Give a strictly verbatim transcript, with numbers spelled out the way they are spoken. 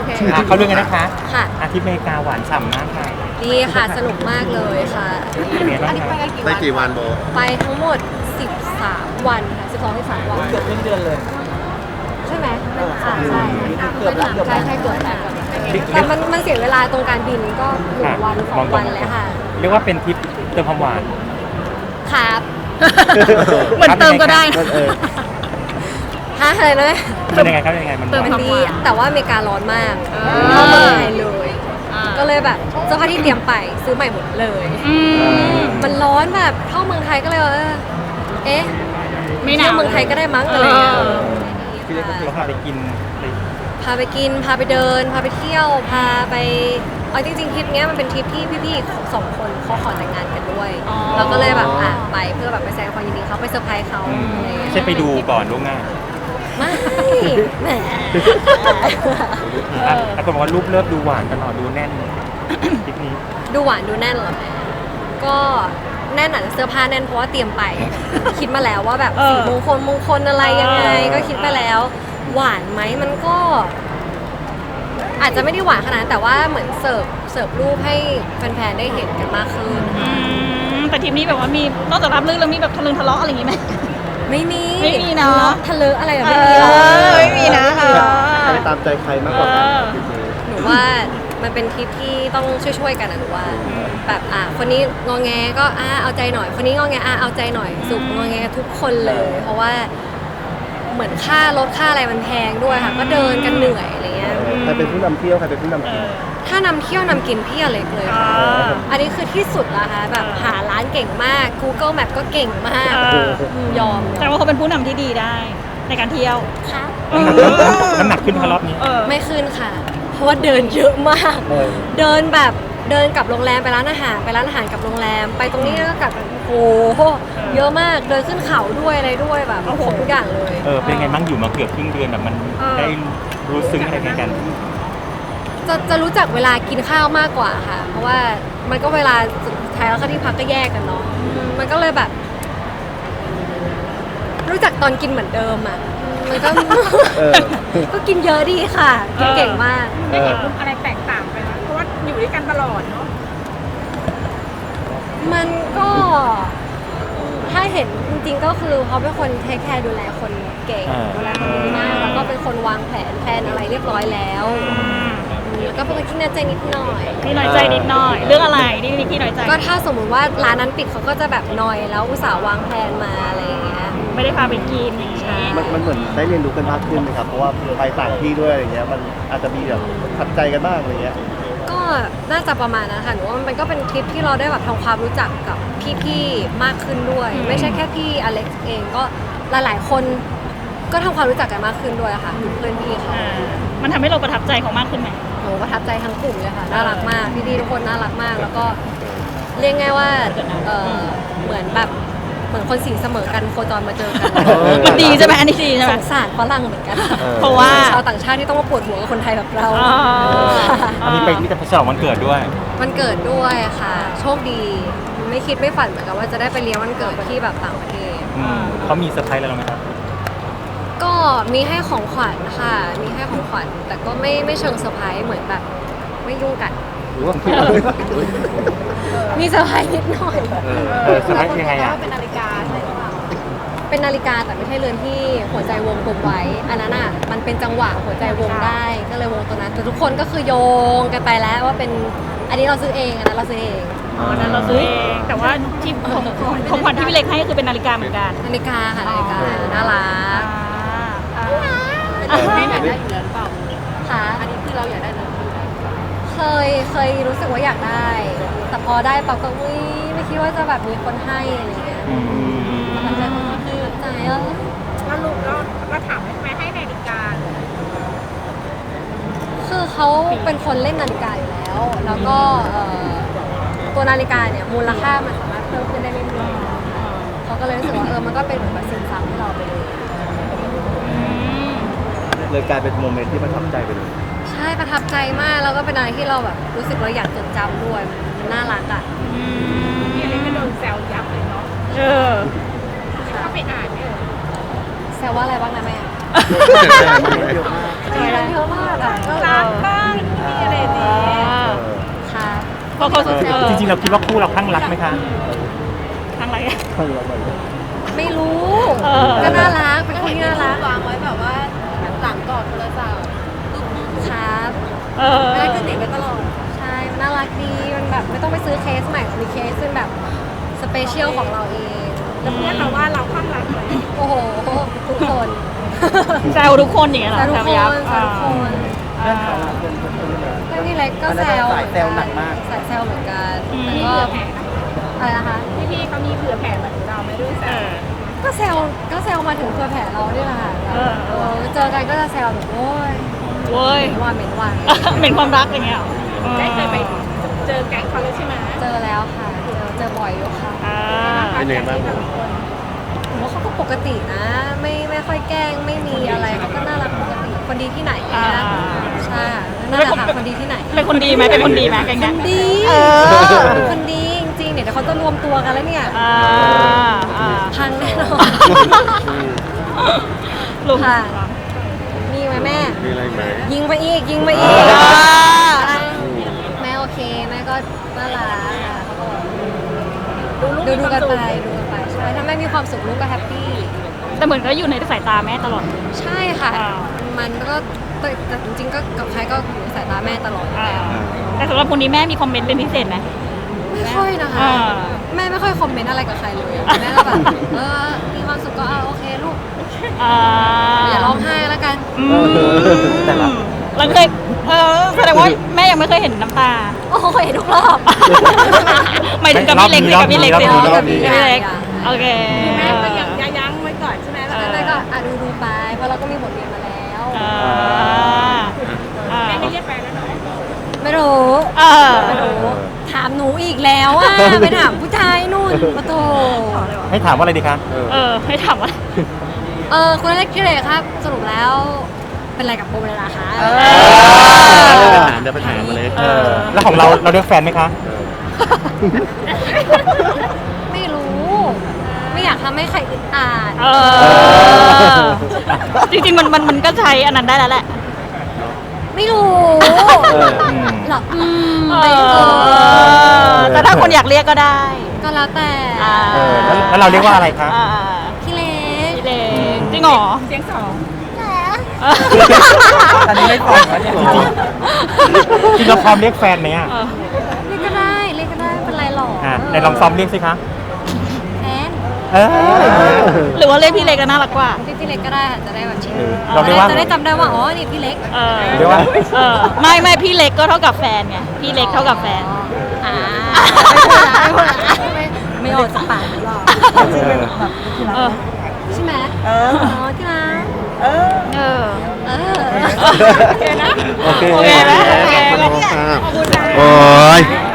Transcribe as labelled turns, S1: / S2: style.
S1: เขาเรื่องกันนะคะ
S2: ค่ะ
S1: อาทิตย์อเมริกาหวานฉ่ำมากค่ะ
S2: ดีค่ะสนุกมากเลยค่ะ
S1: เป็นไงบ้างคะ
S3: ได้กี่วันโบ
S2: ไปทั้งหมดสิบสามวันค่ะสิบสอง สิบสามวัน
S4: เกือบครึ่งเดือนเลย
S2: ใช่ไหมอ่าใช่
S4: เกือบแล้วเกือบ
S2: ใช่ใช่เกือบแล้วแต่มันมันเสียเวลาตรงการบินก็หนึ่งวันสองวันเลยค่ะ
S1: เรียกว่าเป็นทริปเติมความหวาน
S2: ครับ
S5: เหมือนเติมก็ได้นะ
S3: เออ
S2: ฮะอะไรนะ
S1: เป็นยังไงครับเป็นยังไงมันห
S2: เติม
S1: วาน
S2: มันดีแต่ว่าอเมริการ้อนมากเข้าเมืองไทยเลย ก็เลยแบบเสื้อผ้าที่เตรียมไปซื้อใหม่หมดเลย มันร้อนแบบเข้าเมืองไทยก็เลยว่าเออเอ๊ะ
S5: ไม่หนาว
S2: เที่ยวเมืองไทยก็ได้มั้งอะไรอย่างเงี้ย
S5: เออ
S1: ที่เรียกว่าเราพาไปกินไป
S2: พาไปกินพาไปเดิน พาไปเที่ยว พาไปเอาจริงๆทริปเนี้ยมันเป็นทริปที่พี่ๆสองคนเขาขอแต่งงานกันด้วย
S5: อ๋อ
S2: เราก็เลยแบบอ่ะไปเพื่อแบบไปแสดงความยินดีเขาไปเซอร์ไพรส์เขา
S1: อืม
S2: อะไรอย่างเงี้ย
S1: ไม่ใช่ไปดูก่อนล่วงหน้า
S2: ไม่แหม
S1: อ่ะแต่คนบอกว่ารูปเลิฟดูหวานตลอดดูแน่นทริปนี้
S2: ดูหวานดูแน่นเหรอแม่ก็แน่นอาจจะเสื้อผ้าแน่นเพราะว่าเตรียมไป คิดมาแล้วว่าแบบ
S5: เออ
S2: สีมงคลมงคลอะไรยังไง
S5: เออ
S2: ก็คิดไปแล้ว หวานไหมมันก็ อาจจะไม่ได้หวานขนาดนั้นแต่ว่าเหมือนเสิร์ฟเสิร์ฟรูปให้แฟนๆได้เห็นกันมากขึ้น
S5: อืมแต่ทีมนี้แบบว่ามีนอกจากรับเรื่องแล้วมีแบบทะลึงทะเลาะอะไรอย่างงี้ไหม
S2: ไม่มี
S5: ไม่มีเนอะ
S2: ทะเลาะอะไรแบบ
S5: เอ
S2: ไม่มีหรอก
S5: อไม่มีนะเออ
S3: ใครตามใจใครมากกว่ากัน
S5: เออ
S3: ทริปนี้
S2: หนูว่ามันเป็นทริปที่ต้องช่วยๆกันนะหนูว่า แบบอ่ะคนนี้งอแงก็อ่ะเอาใจหน่อย คนนี้งอแงอ่ะเอาใจหน่อยสุกงอแงทุกคนเลย เพราะว่าเหมือนค่ารถค่าอะไรมันแพงด้วยค่ะ ก็เดินกันเหนื่อยอะไรเงี้ย
S3: ใครเป็นผู้นำเที่ยวใครเป็นผู้นำกิน
S2: ถ้านำเที่ยวนำกินพี่อเล็กเลย
S5: อ่
S2: ค่ะ
S5: า
S2: อันนี้คือที่สุดละค่ะแบบ
S5: เออ
S2: หาร้านเก่งมาก Google Map ก็เก่งมาก
S5: เออ
S2: อืมยอม
S5: แต่ว่าเขาเป็นผู้นำที่ดีได้ในการเที่ยว
S2: ค่ะ
S1: น้ำหนักขึ้นพารอบนี้
S5: เออ
S2: ไม่ขึ้นค่ะ เพราะว่าเดินเยอะมาก
S3: เออ
S2: เดินแบบเดินกลับโรงแรมไปร้านอาหารไปร้านอาหารกลับโรงแรม ไปตรงนี้แล้วก็กลับโอ้โหเยอะมากเดินขึ้นเขาด้วยอะไรด้วยแบบ
S5: โอ้โห
S2: ครบทุกอย่างเลย
S1: เออเป็นไงบ้างอยู่มาเกือบครึ่งเดือนแบบมัน
S5: เออ
S1: ได้รู้ซึ้งอะไรกัน
S2: จะจะรู้จักเวลากินข้าวมากกว่าค่ะ เพราะว่ามันก็เวลาสุดท้ายแล้วก็ที่พักก็แยกกันเนาะอืมมันก็เลยแบบ รู้จักตอนกินเหมือนเดิมอ่ะมันก็
S3: เออ
S2: ก็กินเยอะดีค่ะ กินเก่งมาก
S3: เออ
S6: อะไรแตกต่างไปไหมเพราะว่าอยู่ด้วยกันตลอดเนาะ
S2: มันก็ถ้าเห็นจริงๆก็คือเขาเป็นคนเทคแคร์ดูแลคนเก่งดูแลคนดีมากแล้วก็เป็นคนวางแผนแผนอะไรเรียบร้อยแล้วแล้วก็เป็นคนที่น่าใจนิดหน่อย
S5: พี่น้อยใจนิดหน่อย เรื่องอะไรที่พี่น้อยใจ
S2: ก็ถ้าสมมุติว่าร้านนั้นปิดเขาก็จะแบบนอยแล้วอุตส่าห์วางแผนมาอะไรอย่างเงี้ย
S5: ไม่ได้พาไปกินอย่างนี้
S3: มันมันเหมือนได้เรียนรู้กันมากขึ้นนะครับ เพราะว่าไปต่างที่ด้วยอะไรเงี้ย มันอาจจะมีแบบทัดใจกันบ้างอะไรเงี้ย
S2: ก็น่าจะประมาณนั้นค่ะหนูว่ามันก็เป็นทริปที่เราได้แบบทำความรู้จักกับพี่ๆมากขึ้นด้วย ไม่ใช่แค่พี่อเล็กซ์เองก็หลายๆคนก็ทำความรู้จักกันมากขึ้นด้วยค่ะเพื่อนพี่ค่ะ
S5: อ่ามันทำให้เราประทับใจเขามากขึ้นไหม
S2: โหประทับใจทั้งกลุ่มเลยค่ะน่ารักมากพี่ๆทุกคนน่ารักมาก แล้วก็เรียกง่ายว่าเออเหมือนแบบเหมือนคนสีเสมอกันโคจรมาเจอกัน
S3: เออ
S5: มันดีใช่ไหมอันนี้ดีใช่ไห
S2: ส
S5: ม
S2: งสารฝรั่งเหมือนกัน
S3: เออ
S5: เพราะว่า
S2: ชาวต่างชาติที่ต้องมาปวดหัวกับคนไทยแบบเรา
S5: อ๋อ
S1: ๆอันนี้ไปที่จะฉลองวันเกิดด้วย
S2: มันเกิดด้วยค่ะ โชคดีไม่คิดไม่ฝันเหมือนกันว่าจะได้ไปเลี้ยงวันเกิดที่แบบต่างประเทศ
S1: อืมเขามีเซอร์ไพรส์อะไรเราไหมครับ
S2: ก็มีให้ของขวัญค่ะ มีให้ของขวัญ แต่ก็ไม่ไม่เชิงเซอร์ไพรส์เหมือนแบบไม่ยุ่งกัน
S3: หรือว่า
S2: มีเซอร์ไพรส์นิดหน่อย
S3: เออ
S1: เออเซอร์ไพรส์ยังไงอ่ะ
S6: เป็นนาฬิกาใช่หรือเปล่า
S2: เป็นนาฬิกาแต่ไม่ใช่เรือนที่หัวใจวงกลมไว้ อันนั้นอ่ะมันเป็นจังหวะหัวใจวงได้ ก็เลยวงตัวนั้น แต่ทุกคนก็คือโยงกันไปแล้วว่าเป็นอันนี้เราซื้อเองอันนั้นเราซื้อเอง
S5: อ๋อนั้นเราซื้อเองแต่ว่าที่ของของขวัญที่พี่เล็กให้ก็คือเป็นนาฬิกาเหมือนกัน
S2: นาฬิกาค่ะนาฬิกาน่ารั
S5: อ่าก
S6: อันนี้ไม่อยากได้อยู่แล้วหรือเปล่า
S2: ค่ะ
S6: อันนี้คือเราอยากได้เลย
S2: เคยเคยรู้สึกว่าอยากได้ แต่พอได้ปั๊บก็อุ้ยไม่คิดว่าจะแบบมีคนให้อะไรเงี้ย
S1: อืม
S2: มันจะคือใจเออ
S6: แล้วลูกก็ก็ถามทำไมให้นาฬิกา
S2: คือเขาเป็นคนเล่นนาฬิกาอยู่แล้ว แล้วก็เอ่อตัวนาฬิกาเนี่ยมูลค่ามันสามารถเพิ่มขึ้นได้เรื่อยๆเขาก็เลยรู้สึกว่าเออมันก็เป็นเหมือนแบบสินทรัพย์ให้เราไปเลย
S3: เลยกลายเป็นโมเมนต์ที่ประทับใจไปเลย
S2: ใช่ประทับใจมากแล้วก็เป็นอะไรที่เราแบบรู้สึกเราอยากจดจำด้วยมันน่ารักอ่ะ
S6: พี่อเล็กก็โดนแซวยับเลยเนาะ
S5: เออ
S6: เข้าไปอ่านเนี่ย
S2: แซวว่าอะไรบ้างนะแม่
S3: เยอะมาก
S2: ใช่เยอะมากอ่ะก็
S6: รักมาก
S5: เขาเขา
S1: เออ
S5: เออ
S1: จริงๆเราคิดว่าคู่เราข้างรักไหมคะ
S5: ทางอะไรอะ
S2: ไม่รู้
S5: เออ
S2: ก็น่ารักเป็นคนที่น่ารัก
S6: วางไว้แบบว่าหลังกอดโทรศัพท์
S2: ครับ
S5: เออ
S6: ไม่ได้ขึ้นหนีไปตลอด
S2: ใช่มันน่ารักดีมันแบบไม่ต้องไปซื้อเคสใหม่มีเคสซึ่งแบบสเปเชียลของเราเอง
S6: แล้วเพื่อนเราว่าเราข้างรักไหม
S2: โอ้โหทุกคน
S5: แซวทุกคนอย่างเงี้ยเหรอ
S2: แซวทุกคน
S5: ยับ
S2: แซวทุกคน
S5: อ่า
S2: เพื่อนพี่เล็กก็แซว
S3: สายแซวหนักมาก
S2: สายแซวเหมือนกัน
S5: อืม
S2: แต่
S6: มี
S2: ก็
S6: เผื่อแผ่
S2: อะไรนะคะ
S6: พี่พี่ๆเขามีเผื่อแผ่เหมือนเราไหม่ด้วยแซ
S5: เอ
S6: ว
S5: อ
S2: ก็แซวก็แซวมาถึงเพื่อแผ่เราเนี่ยแหละค่ะ
S5: เออ
S2: เออเจอกันก็จะแซวแบบโอ้ย
S5: เว้ย
S2: เหม็นว่าเหม็นว่า
S5: เป็นความรักอย่างเงี้ยเหรอ
S6: ได้เคยไปเจอแก๊งเขาแล้วใช่ไหม
S2: เจอแล้วค่ะเจอเจอบ่อยอยู่ค่ะ
S5: อ่า
S3: เป็นยังไงบ้าง
S2: ผมว่าเขาก็ปกตินะ ไม่ไม่ค่อยแกล้งไม่มีอะไรเขาก็น่ารักปกติคนดีที่ไหน
S5: อ่า
S2: นะใช่ค่ะนั่นแหละค่ะคนดีที่ไหน
S5: เป็นคนดีไหมเป็นคนดีไหมแกง
S2: ค
S5: เนี้ย
S2: นดี
S5: เออ
S2: คนดีจริงๆเนี่ยเดี๋ยวเขาจะรวมตัวกันแล้วเนี่ย
S5: อ่าอ่า
S2: พังแน่นอน
S5: ลุง
S2: ค่ะ มีไหมแม่
S3: มีอะไรไหม
S2: ยิงไปอีกยิงไปอีก
S5: อ่า
S2: แม่โอเคแม่ก็น่ารักค่ะเขาก็
S6: ดูลูก
S2: ดู
S6: มี
S2: ดู
S6: ความ
S2: กัน
S6: สุ
S2: ไป
S6: ข
S2: ดูกันไปใช่ถ้าแม่มีความสุขลูกก็แฮปปี้
S5: แต่เหมือนก็อยู่ในสายตาแม่ตลอด
S2: ใช่ค่ะ
S5: อ่า
S2: มันก็แต่แต่จริงๆก็กับใครก็อยู่ในสายตาแม่ตลอดอยู่
S5: อ่า
S2: แล้ว
S5: แต่สำหรับคนนี้แม่มีคอมเมนต์เป็นพิเศษไหม
S2: ไม่ค่อยนะคะ
S5: อ่า
S2: แม่ไม่ค่อยคอมเมนต์อะไรกับใครเลยแม่ก็แบบเออมีความสุขก็เอาโอเคลูก
S5: อ่า
S2: อย่าร้องไห้แล้วกัน
S5: อืม
S3: แต่ละ
S5: เราเคยเออแสดงว่าแม่ยังไม่เคยเห็นน้ำตา
S2: โอ้ยทุกรอบ
S5: หมายถึงกับพี่เล็กสิกับพี่เล็กสิ
S1: รอบนี้
S5: กับพี่เล็กโอเค
S6: แม่ก็ยังยั้งไว้ก่อนใช่ไหมแล้ว
S2: แม่ก็อ่ะดูดูๆไปเพราะเราก็มีบทเรียนมาแล้ว
S5: อ่าอ่า
S6: แม่ไม่เรียกแฟนแล้วหน่อย
S2: ไม่รู้
S5: เออ
S2: ไม่รู้ถามหนูอีกแล้วอ่ะ ไปถามผู้ชายนู่นปะโถ
S1: ให้ถามว่าอะไรดีคะ
S5: เออให้ถามว่า
S2: เออคุณเล็กกิเลสครับ สรุปแล้วเป็นอะไรกับโบเลยล่ะคะ
S3: เออเดี๋ยวไปถามมาเลย
S5: เออ
S1: แล้วของเราเราเลือกแฟนไหมคะ
S2: ไม่รู้ ไม่อยากทำให้ใครอึดอัด
S5: เออจริงๆมันมันมันก็ใช้อันนั้นได้แล้วแหละ
S2: ไม่รู้
S1: เอออืม
S2: หรออืม
S5: เอ
S2: ไม่รู้
S5: อแต่ถ้าคนอยากเรียกก็ได้
S2: ก็แล้วแต่
S5: อ่า
S1: เออแล้วแล้วเราเรียกว่าอะไรคะ
S5: อ่า
S2: พี่เล็ก
S5: พี่เล็กจริงเหรอ
S6: เสียงสอง
S3: อันนี้ไม่ตอบแล้วเนี่ย
S1: จริงๆจริงเราพร้อมเรียกแฟนไหมอ่ะ
S5: เออ
S2: เรียกก็ได้เรียกก็ได้ไม่เป็นไรหรอก
S1: อ่ะในลองซ้อมเรียกสิคะ
S2: แฟน
S1: เอออย่างเงี้ย
S5: หรือว่าเรียกพี่เล็กก็น่ารักกว่า
S2: เรียกพี่เล็กก็ได้ค่ะจะได้แบบชิน
S1: เออเราเรียกว่า
S2: จะได้จำได้ว่าอ๋อนี่พี่เล็ก
S5: เออ
S1: เรียกว่า
S5: เออไม่ไม่พี่เล็กก็เท่ากับแฟนไงพี่เล็กเท่ากับแฟน
S2: อ่าไม่พูดละไม่พูดละไม่ไม่ออกจากปากหรอก
S5: เออ
S2: ใช่ไหม
S3: เออ
S2: อ๋อที่รัก
S3: เออ
S5: เออ
S2: เออ
S5: โอเคนะ
S3: โอเค
S5: โอเคไหมโอเค
S3: ขอบคุณค่ะ
S6: ขอบคุณนะ
S3: โอ้ย